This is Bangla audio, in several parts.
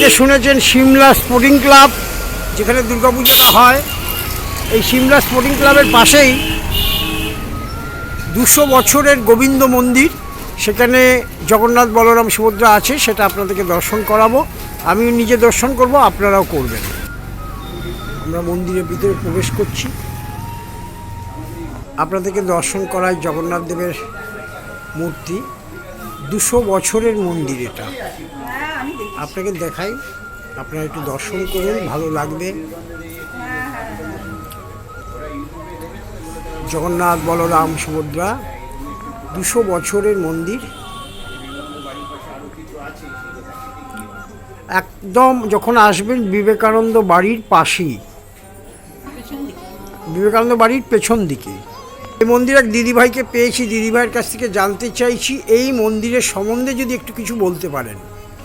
অনেকে শুনেছেন সিমলা স্পোর্টিং ক্লাব, যেখানে দুর্গাপুজোটা হয়। এই সিমলা স্পোর্টিং ক্লাবের পাশেই 200 বছরের গোবিন্দ মন্দির, সেখানে জগন্নাথ বলরাম সুভদ্রা আছে, সেটা আপনাদেরকে দর্শন করাবো। আমি নিজে দর্শন করব, আপনারাও করবেন। আমরা মন্দিরের ভিতরে প্রবেশ করছি, আপনাদেরকে দর্শন করায় জগন্নাথ দেবের মূর্তি। 200 বছরের মন্দির এটা, আপনাকে দেখাই, আপনারা একটু দর্শন করুন, ভালো লাগবে। জগন্নাথ বলরাম সুভদ্রা 200 বছরের মন্দির, একদম যখন আসবেন বিবেকানন্দ বাড়ির পাশেই, বিবেকানন্দ বাড়ির পেছন দিকে। এই মন্দির এক দিদিভাইকে পেয়েছি, দিদিভাইয়ের কাছ থেকে জানতে চাইছি এই মন্দিরের সম্বন্ধে যদি একটু কিছু বলতে পারেন।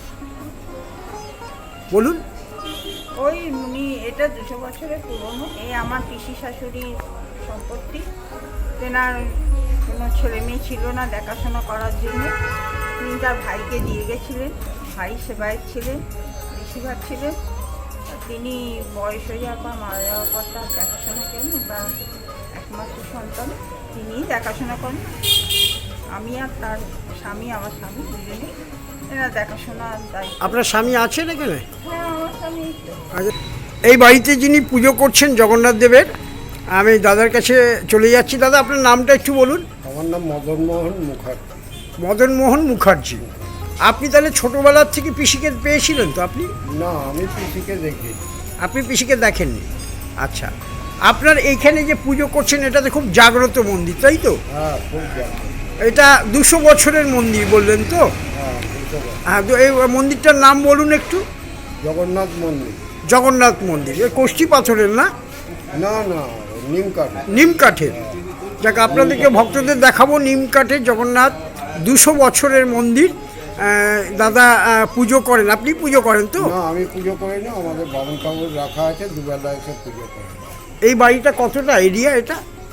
বলুন। ওই উনি এটা 200 বছরের পুরনো। এই আমার পিসি শাশুড়ির সম্পত্তি। তেনার কোনো ছেলে মেয়ে ছিল না দেখাশোনা করার জন্য, তিনি তার ভাইকে দিয়ে গেছিলেন। ভাই সেবায়ত ছিলেন, বেশিরভাগ ছিলেন। তিনি বয়স হয়ে যাওয়ার পর, মারা যাওয়ার পর তার দেখাশোনা করেন, বা একমাত্র সন্তান তিনিই দেখাশোনা করেন। আমি আর তার স্বামী, আমার স্বামী, দুজনেই এরা দেখাশোনার দায়িত্ব। আপনার স্বামী আছেন এখানে? হ্যাঁ, আমার স্বামী। এই বাড়িতে যিনি পুজো করছেন জগন্নাথ দেবের, আমি দাদার কাছে চলে যাচ্ছি। দাদা, আপনার নামটা একটু বলুন। আমার নাম মদন মোহন মুখার্জি। মদন মোহন মুখার্জি। আপনি তাহলে ছোটোবেলার থেকে পিসিকে পেয়েছিলেন তো? আপনি না, আমি পিসিকে দেখি। আপনি পিসিকে দেখেননি? আচ্ছা, আপনার এইখানে যে পুজো করছেন এটা তো খুব জাগ্রত মন্দির, তাই তো? হ্যাঁ, খুব জানি। এটা 200 বছরের মন্দির বললেন তো? হ্যাঁ, হ্যাঁ, তো এই মন্দিরটার নাম বলুন একটু। জগন্নাথ মন্দির। জগন্নাথ মন্দির, এই কষ্টি পাথরের না? না না, নিম কাঠ। নিম কাঠের। যাক, আপনাদেরকে ভক্তদের দেখাবো নিম কাঠের জগন্নাথ 200 বছরের মন্দির। দাদা পুজো করেন, আপনি পুজো করেন তো? না, আমি পুজো করি না, আমাদের বামন ঠাকুর রাখা আছে, দুবেলা এসে পুজো করে। এই বাড়িটা কতটা এরিয়া এটা?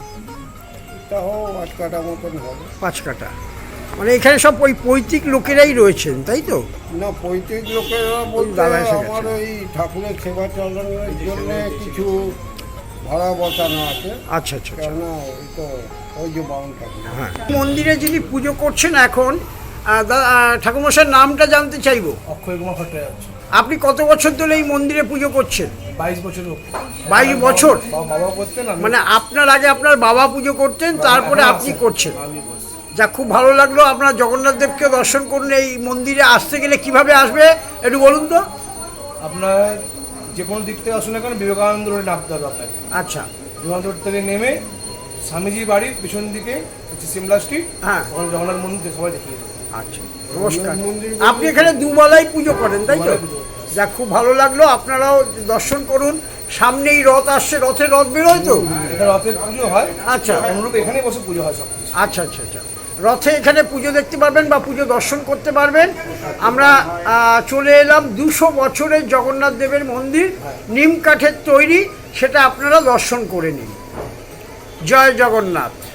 তাও 5 কাঠা মতন হবে। 5 কাঠা। মানে এখানে সব ওই পৈতৃক লোকেরাই রয়েছেন, তাই তো? না, পৈতৃক লোকেরা বলতে দাদা এসে গেছে। আমার ওই ঠাকুরের সেবা চালানোর জন্য কিছু ভাড়া বসানো আছে। আচ্ছা আচ্ছা আচ্ছা। কেননা ওই তো ওই যে বামন ঠাকুর। হ্যাঁ, মন্দিরে যিনি পুজো করছেন এখন, ঠাকুরমশাইয়ের নামটা জানতে চাইবো। অক্ষয় কুমার ভট্টাচার্য। আপনি কত বছর ধরে এই মন্দিরে পুজো করছেন? 22 বছর। 22 বছর? বাবা করতেন, মানে আপনার আগে আপনার বাবা পুজো করতেন, তারপরে আপনি করছেন। আমি করছি। যা, খুব ভালো লাগলো। আপনারা জগন্নাথ দেবকে দর্শন করুন। এই মন্দিরে আসতে গেলে কিভাবে আসবে একটু বলুন তো। আপনার যে কোনো দিক থেকে আসুন না কেন, বিবেকানন্দ রোডে নামতে হবে আপনাকে। আচ্ছা। বিবেকানন্দ রোড থেকে নেমে স্বামীজির বাড়ির পিছন দিকে হচ্ছে সিমলা স্ট্রিট। হ্যাঁ, ওখানে জগন্নাথ মন্দির সবাই দেখিয়ে দেবে। আচ্ছা, নমস্কার। আপনি এখানে দুবেলাই পুজো করেন, তাই তো? যা, খুব ভালো লাগলো। আপনারাও দর্শন করুন। সামনেই রথ আসছে, রথের রথ বেরোয় তো? এটা রথের পুজো হয়। আচ্ছা। অনুরূপ এখানেই বসে পুজো হয় সব কিছু। আচ্ছা আচ্ছা আচ্ছা। রথে এখানে পুজো দেখতে পারবেন বা পুজো দর্শন করতে পারবেন। আমরা চলে এলাম 200 বছরের জগন্নাথ দেবের মন্দির, নিম কাঠের তৈরি, সেটা আপনারা দর্শন করে নিন। জয় জগন্নাথ।